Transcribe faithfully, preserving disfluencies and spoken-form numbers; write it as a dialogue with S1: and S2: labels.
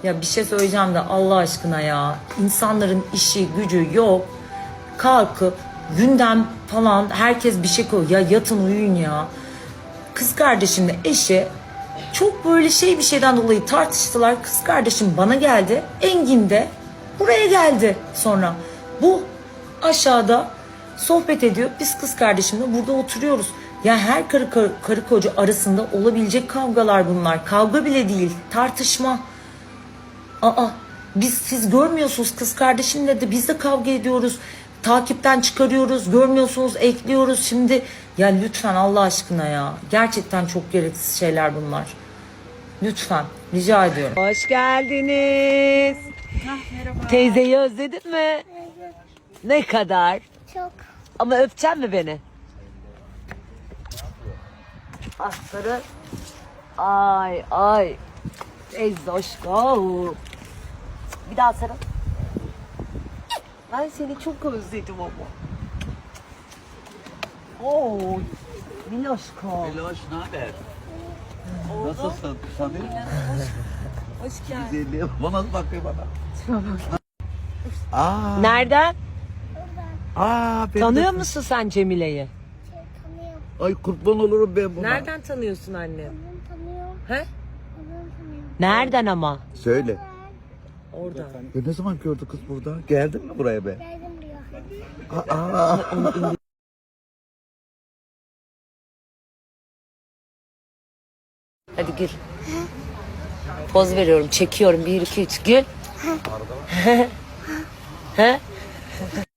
S1: Ya bir şey söyleyeceğim de Allah aşkına ya. İnsanların işi gücü yok. Kalkıp gündem falan herkes bir şey koyuyor. Ya yatın uyuyun ya. Kız kardeşimle eşi çok böyle şey bir şeyden dolayı tartıştılar. Kız kardeşim bana geldi. Engin de buraya geldi sonra. Bu aşağıda sohbet ediyor. Biz kız kardeşimle burada oturuyoruz. Ya her karı, karı, karı koca arasında olabilecek kavgalar bunlar. Kavga bile değil, tartışma. Aa, biz siz görmüyorsunuz kız kardeşimle de biz de kavga ediyoruz. Takipten çıkarıyoruz, görmüyorsunuz, ekliyoruz. Şimdi ya lütfen Allah aşkına ya. Gerçekten çok gereksiz şeyler bunlar. Lütfen rica ediyorum. Hoş geldiniz.
S2: Merhaba.
S1: Teyzeyi özledin mi? Ne kadar?
S2: Çok.
S1: Ama öpecek mi beni? Asları. Ay ay. Teyze aşkım. Bir daha sarıl. Ben seni çok özledim ama. Oo. Miloşko.
S3: Meloş, ne haber? Nasılsın? Sanır?
S1: Hoş geldin.
S3: Güzelliğe bana bakıyor bana. Aa,
S1: Nereden?
S3: aa, ben
S1: Tanıyor
S3: de-
S1: musun sen Cemile'yi?
S2: Tanıyorum.
S3: Ay kurban olurum ben buna.
S1: Nereden tanıyorsun anne?
S2: Onu tanıyorum.
S1: He?
S2: Onu tanıyorum.
S1: Nereden ama?
S3: Söyle.
S1: Oradan.
S3: Ya ne zaman gördü kız burada? Geldin mi buraya be?
S2: Geldim buraya.
S3: Aa,
S1: Hadi gir. Poz veriyorum, çekiyorum. Bir, iki, üç, gül. He?